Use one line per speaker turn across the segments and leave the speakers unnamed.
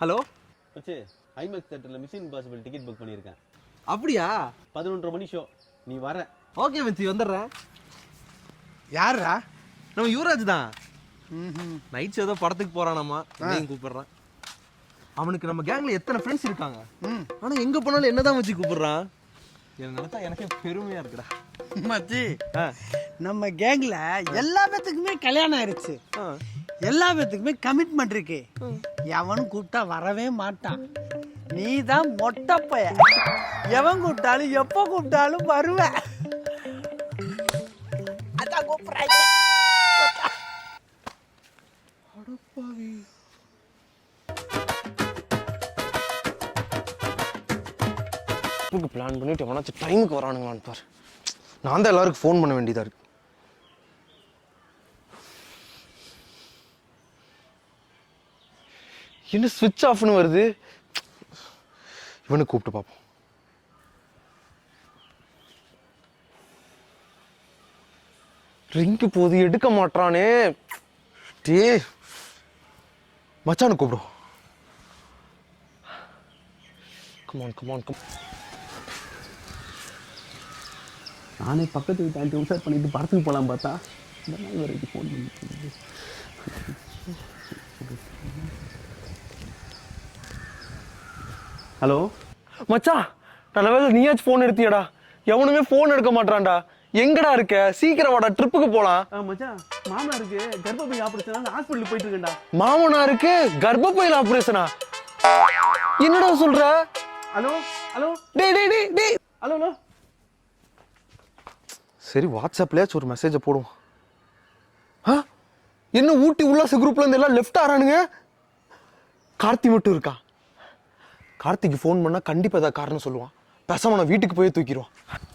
Hello
மச்சி, IMAX தியேட்டர்ல mission impossible ticket book பண்ணியிருக்கேன்.
அப்படியா?
11:30 மணி ஷோ. நீ வர?
ஓகே மச்சி, வந்துடுறேன்.
யாரா?
நம்ம யுவராஜ் தான். நைட் ஷோ தான் படத்துக்கு போறானாமா, என்னையும் கூப்பிடுறான். அவனுக்கு நம்ம கேங்ல எத்தனை ஃப்ரெண்ட்ஸ் இருக்காங்க, ஆனா எங்க போனாலும் என்னதான் வச்சு கூப்பிடுறான். நினைச்சா எனக்கே பெருமையா இருக்குடா.
மச்சி, நம்ம கேங்ல எல்லா பேத்துக்குமே கல்யாணம் ஆயிடுச்சு, எல்லா பேத்துக்குமே கமிட்மெண்ட் இருக்கு. எவனும் கூப்பிட்டா வரவே மாட்டான். நீ தான் மொட்டை பைய, எவன் கூப்பிட்டாலும் எப்போ கூப்பிட்டாலும் வருவ. அதான் கூப்பிடுறாங்க.
பிளான் பண்ணிட்டு எவனாச்சும் டைமுக்கு வரானுங்களான்னு பாரு. நான் தான் எல்லாருக்கும் ஃபோன் பண்ண வேண்டியதா இருக்கு. என்ன ஸ்விட்ச் ஆஃப்னு வருது? இவனை கூப்பிட்டு பார்ப்போம். ரிங்கு போது எடுக்க மாட்டானே. டே மச்சானு கூப்பிடும். Come on come.
நானே பக்கத்து வீட்டு ஆண்டி உசார் பண்ணிட்டு படத்துக்கு போகலாம் பார்த்தா இந்த நாள் வரைக்கும் ஃபோன் பண்ணி. ஹலோ
மச்சான், நல்ல வேளை நீயாச்சும் ஃபோன் எடுத்தியடா. எவனுமே ஃபோன் எடுக்க மாட்டான்டா. எங்கடா இருக்க? சீக்கிரம் வாடா, ட்ரிப்புக்கு போலாம்.
மச்சான், மாமனாருக்கு கர்ப்பப்பை ஆபரேஷன் ஹாஸ்பிட்டல் போயிட்டு இருக்கேன்டா.
மாமனாருக்கு கர்ப்பப்பையில ஆபரேஷனா? என்னடா சொல்ற?
ஹலோ ஹலோ
டேய் டேய் டேய் டேய்.
Hello hello.
சரி, வாட்ஸ்அப்லயாச்சும் ஒரு மெசேஜை போடுவோம். என்ன ஊட்டி உல்லாச குரூப்ல இருந்து எல்லாம் லெஃப்ட் ஆறானுங்க. கார்த்தி மட்டும் இருக்கா? கார்த்திக்கு ஃபோன் பண்ணா கண்டிப்பா ஏதாவது காரணம் சொல்லுவான். பேசாம நான் வீட்டுக்கு போய் தூக்கிடுவான்.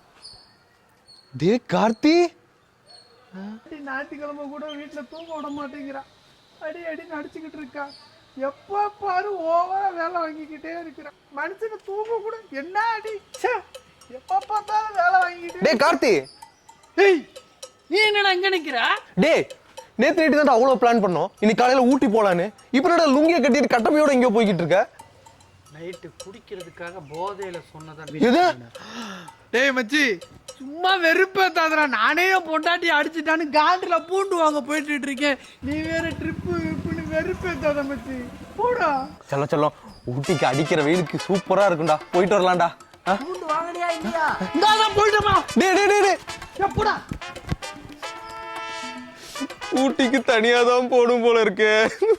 டே கார்த்தி,
ஞாயிற்றுக்கிழமை கூட வீட்டுல தூங்க விட மாட்டேங்கிறான். அடி அடி நடிச்சுக்கிட்டு இருக்கா. எப்ப பாரு ஓவரா வேலை வாங்கிக்கிட்டே இருக்கிறான். மனுஷனுக்கு தூங்க கூட என்ன அடி. எப்ப பார்த்தாலும் வேலை வாங்கிக்கிட்டே.
டே கார்த்தி.
ஏய், நீ என்னடா அங்க நிக்கிற?
டே, நேத்து நைட்டு தான் அவ்வளவு பிளான் பண்ணோம். இன்னைக்கு காலையில ஊட்டி போலான்னு. இப்ப என்னடா லுங்கிய கட்டிட்டு கட்டமையோட எங்கேயோ போய்கிட்டு இருக்க?
நைட்டு குடிக்கிறதுக்காக போதையில சொன்னதான்.
எது?
டேய் மச்சி, சும்மா வெறுப்பேத்தாதடா. நானே பொண்டாட்டி அடிச்சுட்டான்னு காண்டில பூண்டு வாங்க போயிட்டு இருக்கேன். நீ வேற ட்ரிப்பு இப்படி வெறுப்பேத்தாத மச்சி. போடா.
செல்லம் செல்லம், ஊட்டிக்கு அடிக்கிற வெயிலுக்கு சூப்பரா இருக்கும்டா. போயிட்டு வரலாம்டா.
பூண்டு வாங்கலையா இல்லையா? இந்தாதான் போயிட்டோமா.
டே டே டே டே.
எப்படா?
ஊட்டிக்கு தனியா தான் போடும் போல இருக்கு.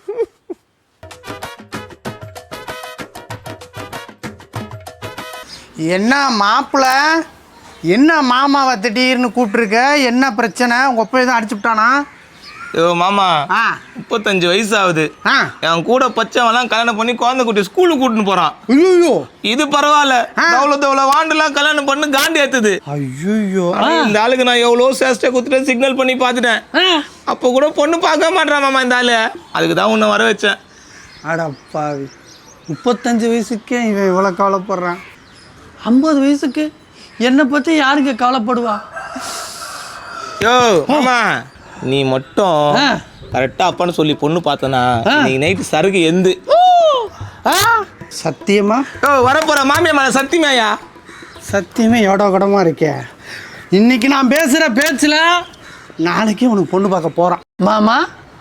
என்ன மாப்பிள்ள, என்ன மாமாவை திடீர்னு கூப்பிட்டுருக்க? என்ன பிரச்சனை? உங்க ஒப்பை தான் அடிச்சுட்டானா?
ஐயோ மாமா, 35 வயசு ஆகுது. என் கூட பச்சவெல்லாம் கல்யாணம் பண்ணி குழந்தை குட்டி ஸ்கூலுக்கு கூட்டின்னு போறான்.
ஐயோ,
இது பரவாயில்ல. எவ்வளோ வாண்டெல்லாம் கல்யாணம் பண்ணி காண்டி ஏத்துது.
ஐயோ,
இந்த ஆளுக்கு நான் எவ்வளோ சேஷ்டை குத்துட்டு சிக்னல் பண்ணி பார்த்துட்டேன். அப்போ கூட பொண்ணு பார்க்க மாட்டான் மாமா இந்த ஆளு. அதுக்கு தான் உன்னை வர வச்சேன்.
அடப்பாவி, 35 வயசுக்கே இவன் இவ்வளோ கவலைப்படுறான். 50 வயசுக்கு என்னை பற்றி யாருங்க கவலைப்படுவா?
யோ மாமா, நீ மட்டும் கரெக்டா அப்பான்னு சொல்லி பொண்ணு பார்த்தனா நீ நைட்டு சருகு எந்து.
சத்தியமா?
ஓ, வரப்போற மாமியா மேல சத்தியமாயா?
சத்தியமே எவ்வளோ கடமா இருக்கே. இன்னைக்கு நான் பேசுகிற பேச்சில் நாளைக்கு உனக்கு பொண்ணு பார்க்க போகிறான் மாமா.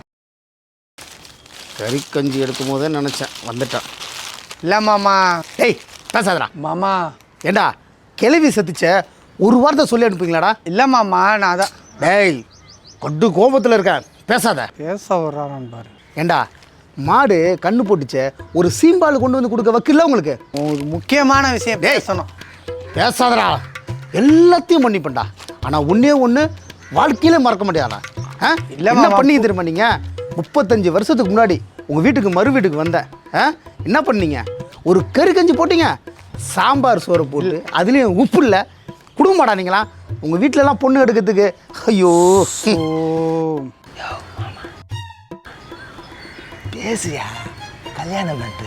கறி கஞ்சி எடுக்கும் போதே நினச்சேன், வந்துட்டான்.
இல்லை மாமா.
டேய் பேசாதடா
மாமா.
ஏண்டா கிளவி சத்திச்ச ஒரு வார்த்தை சொல்லி அனுப்புங்களா?
இல்லை மாமா, நான் அதான்.
டேய் கொட்டு கோபத்தில் இருக்கேன், பேசாத.
பேச வர்றான் பாரு.
ஏண்டா மாடு கண்ணு போட்டுச்ச ஒரு சீம்பால் கொண்டு வந்து கொடுக்க வக்கில்ல உங்களுக்கு?
ஒரு முக்கியமான விஷயம் பேசணும்.
பேசாதடா, எல்லாத்தையும் பண்ணிப்பேன்டா. ஆனால் ஒன்றே ஒன்று வாழ்க்கையிலே மறக்க முடியாதா?
இல்லை
என்ன பண்ணி தெரியுமா? நீங்கள் 35 வருஷத்துக்கு முன்னாடி உங்கள் வீட்டுக்கு மறு வீட்டுக்கு வந்தேன். என்ன பண்ணீங்க? ஒரு கறி கஞ்சி போட்டீங்க, சாம்பார் சோறு போட்டு அதுலேயும் உப்பு இல்லை. குடும்ப மாட்டானீங்களா உங்கள் வீட்டிலலாம் பொண்ணு எடுக்கிறதுக்கு? ஐயோ
பேசுயா, கல்யாணம் பண்ணிட்டு.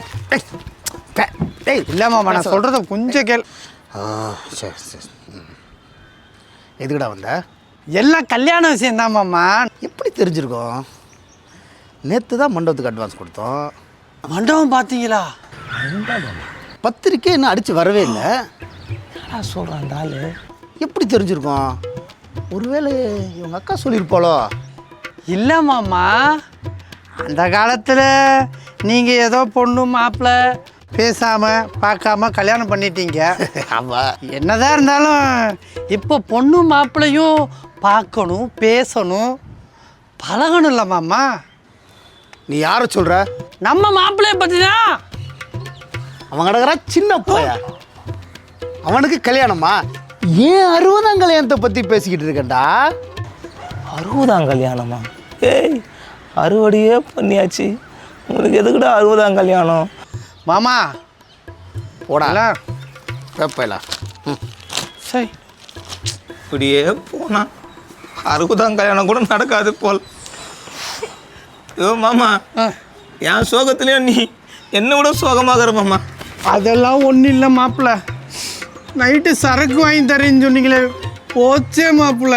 டேய்
இல்லை மாமா, நான் சொல்கிறத கொஞ்சம் கேள்.
சரி சரி. எதுக்கடா வந்த?
எல்லாம் கல்யாண விஷயம் தான் மாமா.
எப்படி தெரிஞ்சிருக்கோம்? நேற்று தான் மண்டபத்துக்கு அட்வான்ஸ் கொடுத்தோம்.
மண்டபம் பார்த்தீங்களா?
பத்திரிக்கை இன்னும் அடித்து வரவே இல்லை.
என்ன சொல்கிறான் அந்த ஆள்?
எப்படி தெரிஞ்சிருக்கோம்? ஒருவேளை இவங்க அக்கா சொல்லியிருப்பாளோ?
இல்லை மாமா, அந்த காலத்தில் நீங்கள் ஏதோ பொண்ணு மாப்பிள்ளை பேசாமல் பார்க்காம கல்யாணம் பண்ணிட்டீங்க.
ஆமாம்.
என்னதான் இருந்தாலும் இப்போ பொண்ணு மாப்பிள்ளையும் பார்க்கணும், பேசணும், பழகணும் இல்லை மாமா.
நீ யாரை சொல்கிற?
நம்ம மாப்பிள்ளைய பற்றி தான்.
அவன் கிடக்குறா சின்ன பையா, அவனுக்கு கல்யாணமா? ஏன் 60ஆம் கல்யாணத்தை பற்றி பேசிக்கிட்டு இருக்கேன்டா.
60ஆம் கல்யாணமா? ஏய், அறுவடையே பண்ணியாச்சு, உனக்கு எதுக்குடா 60ஆம் கல்யாணம்?
மாமா
போடா பேப்பையில.
சரி,
இப்படியே போனா 60ஆம் கல்யாணம் கூட நடக்காது போல். ஐயோ மாமா, என் சோகத்துலேயும் நீ என்ன விட சோகமாகற மாமா.
அதெல்லாம் ஒன்றும் இல்லை மாப்பிள்ளை. நைட்டு சரக்கு வாங்கி தரேன்னு சொன்னீங்களே, போச்சே மாப்பிள்ளை.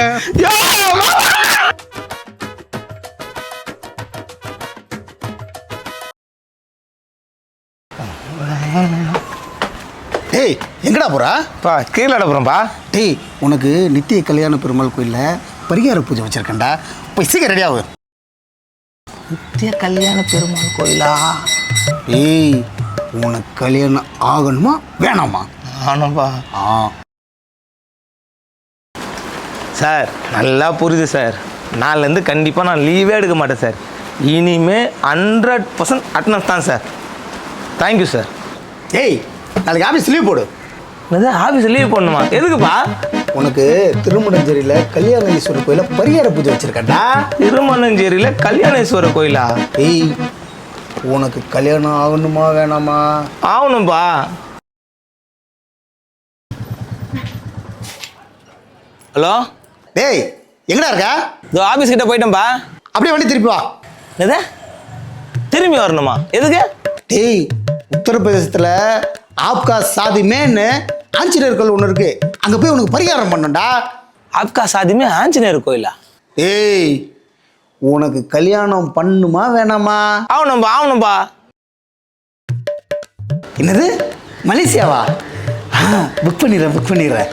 டேய் எங்கடா போகிறா?
பா கீழே அடப்புறோம்ப்பா.
டேய் உனக்கு நித்திய கல்யாண பெருமாள் கோயிலில் பரிகார பூஜை வச்சுருக்கேன்டா, போய் சீக்கிரம் ரெடியாகு.
நித்திய கல்யாண பெருமாள் கோயிலா?
ஏய் உனக்கு கல்யாணம் ஆகணுமா வேணாமா?
ஆனப்பா.
ஆ
சார் நல்லா புரியுது சார். நாளிலேருந்து கண்டிப்பாக நான் லீவே எடுக்க மாட்டேன் சார். இனிமே 100% அட்டனன்ஸ் தான் சார். Thank you sir.
ஏய் நாளைக்கு ஆஃபீஸ் லீவ் போடு.
என்னது ஆஃபீஸ் லீவ் பண்ணணுமா? எதுக்குப்பா?
உனக்கு திருமணஞ்சேரியில் கல்யாண ஈஸ்வரர் கோயிலில் பரிகார பூஜை வச்சுருக்கேன்டா.
திருமணஞ்சேரியில் கல்யாணேஸ்வரர் கோயிலா?
ஏய் உனக்கு கல்யாணம் ஆகணுமா வேணாமா?
ஆகணும்பா. ஹலோ,
டேய் எங்கடா இருக்க?
இதோ ஆஃபீஸ் கிட்ட போயிட்டேன்பா.
அப்படியே வண்டி திருப்பி வா.
எது திரும்பி வரணுமா? எதுக்கு?
டேய் உத்தரப்பிரதேசத்தில் ஆப்கா சாதி மேன்னு ஆஞ்சநேயர் கோயில் ஒன்று இருக்கு, அங்கே போய் உனக்கு பரிகாரம் பண்ணணும்டா.
ஆப்கா சாதிமே ஆஞ்சநேயர் கோயிலா?
ஏய் உனக்கு கல்யாணம் பண்ணுமா வேணாமா?
ஆகணும்பா ஆகணும்பா.
என்னது மலேசியாவா? புக் பண்ணிடுறேன்.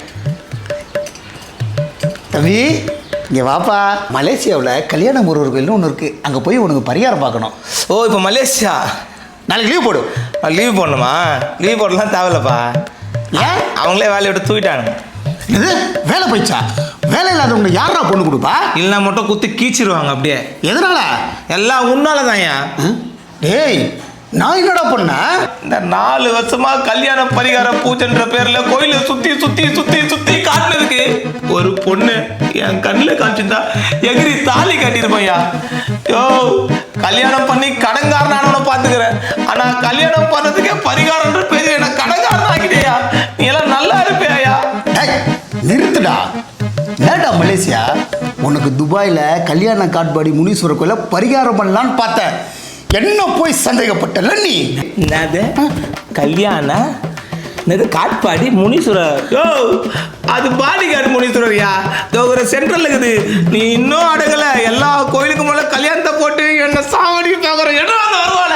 தம்பி இங்கே வாப்பா. மலேசியாவில் கல்யாண முருகர் கோயில்னு ஒன்று இருக்குது, அங்கே போய் உனக்கு பரிகாரம் பார்க்கணும்.
ஓ இப்போ மலேசியா.
நாளைக்கு லீவ் போடு.
லீவ் போடணுமா? லீவ் போடலாம் தேவையில்லப்பா.
ஏன்?
அவங்களே வேலையை விட்டு தூக்கிட்டாங்க.
இது வேலை போயிடுச்சா? வேலை இல்லாதவங்க யாரா பொண்ணு கொடுப்பா?
இல்லைனா மட்டும் குத்தி கீச்சிருவாங்க அப்படியே.
எதனால?
எல்லாம் உன்னால தான்யா.
டேய் நான் என்னடா பண்ணேன்?
இந்த 4 வருஷமா கல்யாண பரிகார பூஜைன்ற பேர்ல கோயிலை சுத்தி சுத்தி சுத்தி சுத்தி காட்டுனதுக்கு ஒரு பொண்ணு என் கண்ணில் காமிச்சிருந்தா எகிரி தாலி கட்டிருப்பையா. யோ கல்யாணம் பண்ணி கடன்காரனானவனை பார்த்துக்கிறேன், ஆனா கல்யாணம் பண்ணதுக்கே பரிகாரன்ற பேரு என்ன கடன்காரன் ஆகிட்டேயா. நீ எல்லாம் நல்லா இருப்பேயா?
நிறுத்துடா. ஏடா மலேசியா, உனக்கு துபாயில் கல்யாண காட்பாடி முனீஸ்வரர் கோயில பரிகாரம் பண்ணலான்னு பார்த்தேன், என்ன போய் சந்தேகப்பட்டல நீ?
என்னது கல்யாண என்னது காட்பாடி முனீஸ்வரர்? யோ அது பாடிகார்டு முனீஸ்வரர்யா, ஒரு சென்ட்ரல் இருக்குது. நீ இன்னும் அடங்கல. எல்லா கோயிலுக்கு மேல கல்யாணத்தை போட்டு என்ன சாவடிக்கு பார்க்குற இடம் வருவாள.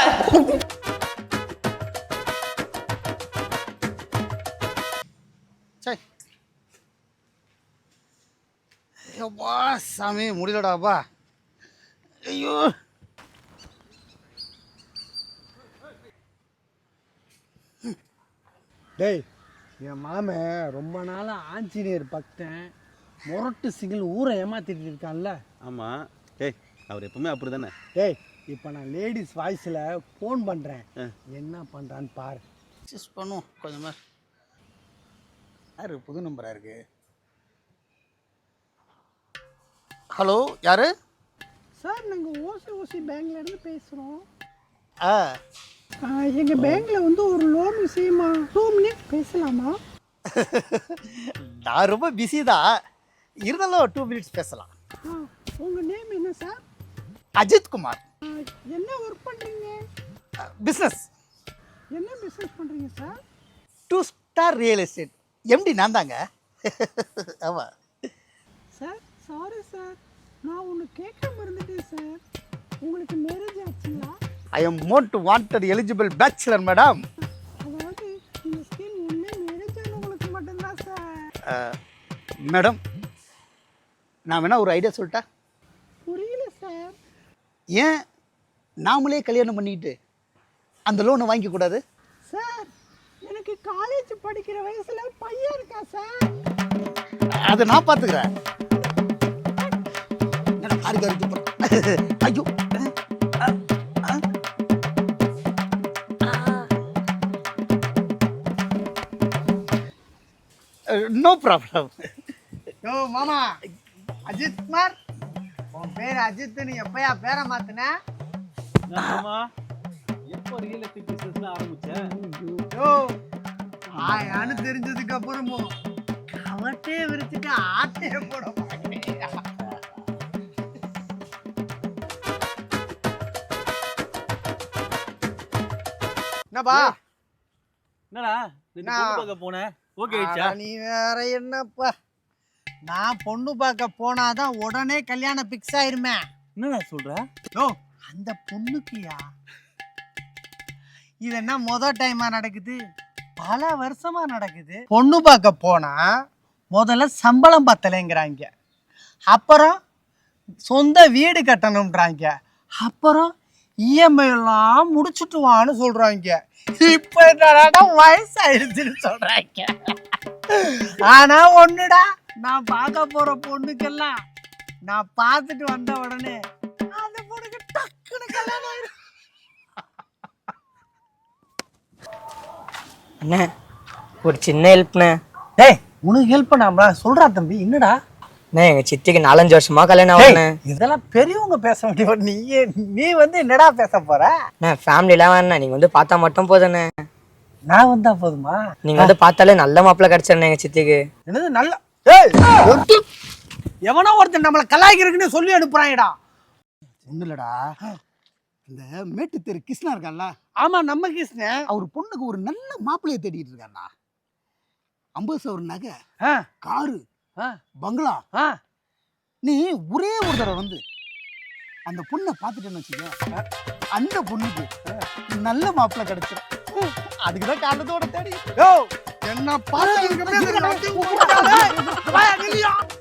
ஐயோப்பா சாமி முடியலடாப்பா. ஐயோ
டேய் என் மாமன் ரொம்ப நாளாக ஆஞ்சநேயர் பக்தன், முரட்டு சிங்கிள் ஊரை ஏமாத்திட்டு இருக்கான்ல.
ஆமாம். டேய் அவர் எப்பவுமே அப்படி தானே.
டேய் இப்போ நான் லேடிஸ் வாய்ஸில் ஃபோன் பண்ணுறேன், என்ன பண்ணுறான்னு பாரு.
அட்ஜஸ்ட் பண்ணுவோம் கொஞ்சமாக. யாரு புது நம்பராக இருக்கு? ஹலோ யாரு?
சார் நாங்கள் ஓசி பேங்க்லேருந்து பேசுகிறோம்.
ஆ
எங்கள் பேங்க்கில் வந்து ஒரு லோன் விஷயமா 2 மினிட்ஸ் பேசலாமா?
நான் ரொம்ப பிஸி தான், இருந்தாலும் 2 மினிட்ஸ் பேசலாம்.
உங்கள் நேம் என்ன சார்?
அஜித் குமார்.
என்ன ஒர்க் பண்ணுறீங்க?
பிஸ்னஸ்.
என்ன பிஸ்னஸ் பண்ணுறீங்க sir?
2 star real estate MD நான் தாங்க. ஆமாம்
சார். சாரி சார், நான் ஒன்று கேட்க மறந்துட்டேன் சார். உங்களுக்கு மேரேஜ் ஆச்சுங்களா?
I am most wanted eligible bachelor madam.
அதாவது இந்த ஸ்கீம் ஒண்ணே நினைச்சவங்களுக்கு மட்டும்தான் சார்.
மேடம் நான் வேணா ஒரு ஐடியா சொல்லிட்டா?
புரியல சார்.
ஏன் நாமளே கல்யாணம் பண்ணிக்கிட்டு அந்த லோனை வாங்கிக்க கூடாது?
சார் எனக்கு காலேஜ் படிக்கிற வயசுல பையன் இருக்கா சார்.
அதை நான் பார்த்துக்கிறேன். ஐயோ நோ ப்ராப்ளம்.
யோ மாமா அஜித் குமார், உன் பேர் அஜித், நீ எப்பயா பேரை மாத்தின?
எப்போ ரியல் எஸ்டேட் பிசினஸ்ல ஆரம்பிச்சேன்?
யோ ஆயான்னு தெரிஞ்சதுக்கு அப்புறமும் கவட்டே விரிச்சுட்டு ஆட்டையே போட மாட்டேன். என்னப்பா
என்னடா பொண்ணு பார்க்க போனேன், ஓகே ஆயிடுச்சா?
நீ வேற என்னப்பா, நான் பொண்ணு பார்க்க போனாதான் உடனே கல்யாணம் பிக்ஸ் ஆயிருமே.
என்னடா சொல்ற?
யோ அந்த பொண்ணுக்குயா இது என்ன முதல் டைமா நடக்குது, பல வருஷமா நடக்குது. பொண்ணு பார்க்க போனா முதல்ல சம்பளம் பத்தலைங்கிறாங்க, அப்புறம் சொந்த வீடு கட்டணும்ன்றாங்க, அப்புறம் இஎம்ஐ எல்லாம் முடிச்சுட்டு வான்னு சொல்றாங்க. இப்ப என்னடா வயசாயிருச்சுன்னு சொல்றாங்க. ஆனா ஒண்ணுடா, நான் பார்க்க போற பொண்ணுக்கெல்லாம் நான் பார்த்துட்டு வந்த உடனே அந்த பொண்ணுக்கு டக்குன்னு கல்யாணம் ஆயிடும்.
அண்ணே ஒரு சின்ன ஹெல்ப்ண்ணே.
டேய் உனக்கு ஹெல்ப் பண்ணாமலா சொல்றா தம்பி, என்னடா?
அண்ணே எங்க சித்திக்கு 4-5 வருஷமா கல்யாணம் ஆகுண்ணே.
இதெல்லாம் பெரியவங்க பேச வேண்டிய நீ வந்து என்னடா பேச போற?
அண்ணே ஃபேமிலிலாம் வேணா, நீங்க வந்து பார்த்தா மட்டும் போதுண்ணே.
நான் வந்தா போதுமா?
நீங்க வந்து பார்த்தாலே நல்ல மாப்பிள்ளை கிடைச்சிருண்ணே எங்க சித்திக்கு.
என்னது நல்ல? எவனோ ஒருத்தன் நம்மளை கலாய்க்கிறதுக்குன்னு சொல்லி அனுப்புறாங்கடா.
ஒன்றும் இல்லடா, இந்த மேட்டு தெரு கிருஷ்ணா இருக்கான்ல,
ஆமா நம்ம கிருஷ்ணன்,
அவர் பொண்ணுக்கு ஒரு நல்ல மாப்பிள்ளையை தேடிட்டு இருக்காருடா. 50 சவர நகை,
ஆ,
காரு,
ஆ,
பங்களா.
ஆ.
நீ ஒரே ஒரு தடவை வந்து அந்த பொண்ணை பார்த்துட்டேன்னு வச்சுக்க, அந்த பொண்ணுக்கு நல்ல மாப்பிள்ளை கிடைச்சிடும். அதுக்குதான் காரணத்தோட தேடி.
யோ என்ன பார்த்து